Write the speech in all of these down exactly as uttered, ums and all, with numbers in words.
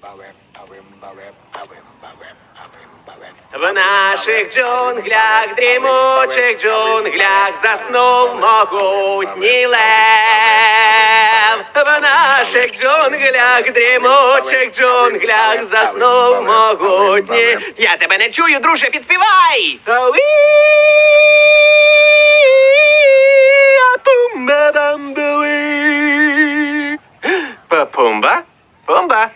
В наших джунглях, дрімучих джунглях заснув могутній лев. В наших джунглях, дрімучих джунглях заснув могутній. Я тебе не чую, друже, підспівай! Пумба? Пумба?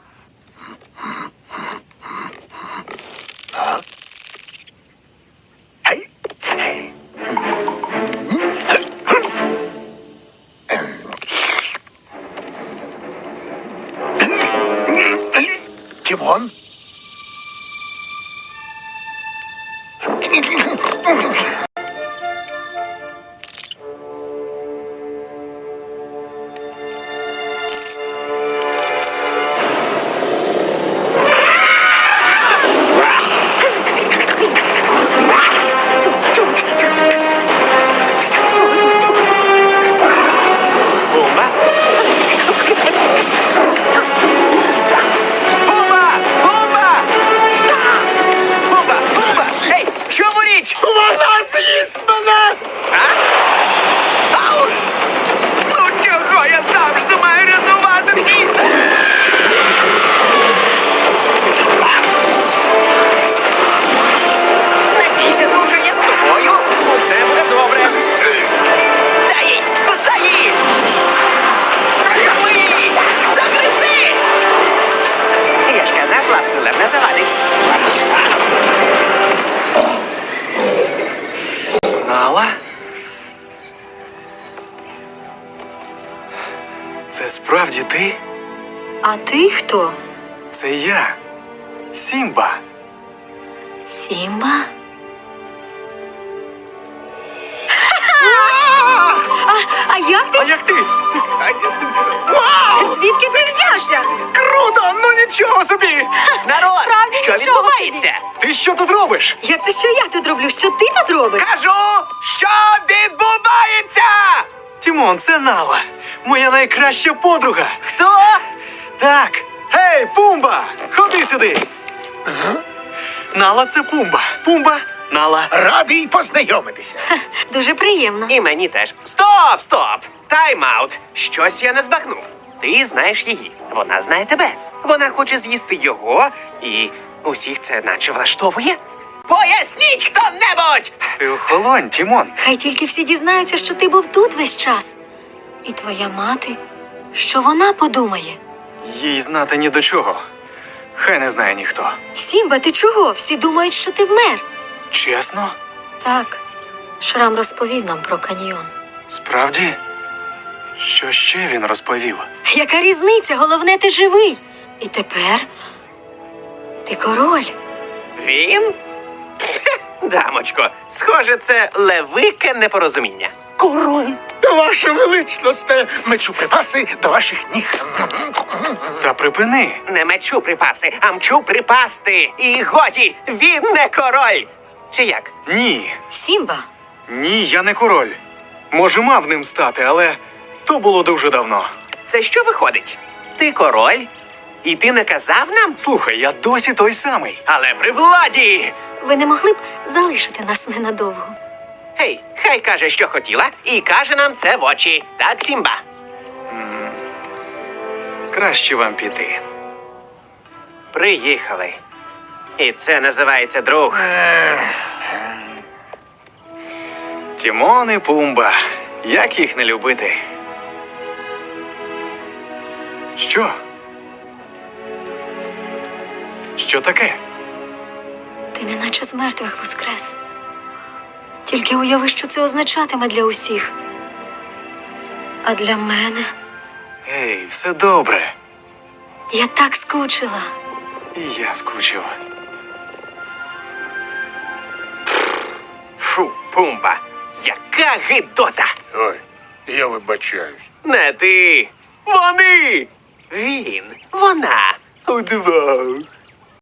Тимон? Вона з'їсть мене! А? Ау! Ну чого я завжди маю рятувати світ? Не бійся, друже, я з тобою. Усе буде добре. Дай їй! Кусай її! Прийми її! Загризи! Я ж казав, власне, лев не завадить. Нала? Це справді ти? А ти хто? Це я. Сімба. Сімба? А, а як ти? А як ти? Звідки ти взявся? Круто! Ну нічого собі! Народ, Справді що нічого відбувається? Ти що тут робиш? Як це що я тут роблю? Що ти тут робиш? Кажу, що відбувається? Тімон, це Нала. Моя найкраща подруга. Хто? Так. Гей, Пумба! Ходи сюди. Нала, це Пумба. Пумба, Нала. Радий познайомитися. Дуже приємно. І мені теж. Стоп, стоп! Тайм-аут. Щось я не збагнув. Ти знаєш її. Вона знає тебе. Вона хоче з'їсти його, і усіх це наче влаштовує. Поясніть хто-небудь! Ти охолонь, Тімон. Хай тільки всі дізнаються, що ти був тут весь час. І твоя мати, що вона подумає? Їй знати ні до чого. Хай не знає ніхто. Сімба, ти чого? Всі думають, що ти вмер. Чесно? Так, Шрам розповів нам про каньйон. Справді? Що ще він розповів? Яка різниця? Головне, ти живий. І тепер ти король. Він? Дамочко, схоже, це левике непорозуміння. Король, ваша величносте, мечу припаси до ваших ніг. Та припини. Не мечу припаси, а мчу припасти. І годі, він не король. Чи як? Ні. Сімба, Ні, я не король. Може, мав ним стати, але то було дуже давно. Це що виходить? Ти король? І ти не казав нам? Слухай, я досі той самий. Але при владі! ви не могли б залишити нас ненадовго? Гей, хай каже, що хотіла, і каже нам це в очі. Так, Сімба? Краще вам піти. Приїхали. І це називається друг. Тімон і Пумба. Як їх не любити? Що? Що таке? Ти неначе з мертвих воскрес. Тільки уяви, що це означатиме для усіх. А для мене Ей, все добре. я так скучила. І я скучив. Фу, Пумба, яка гидота! Ой, я вибачаюсь. Не ти. Вони. Він. Вона. Удвох.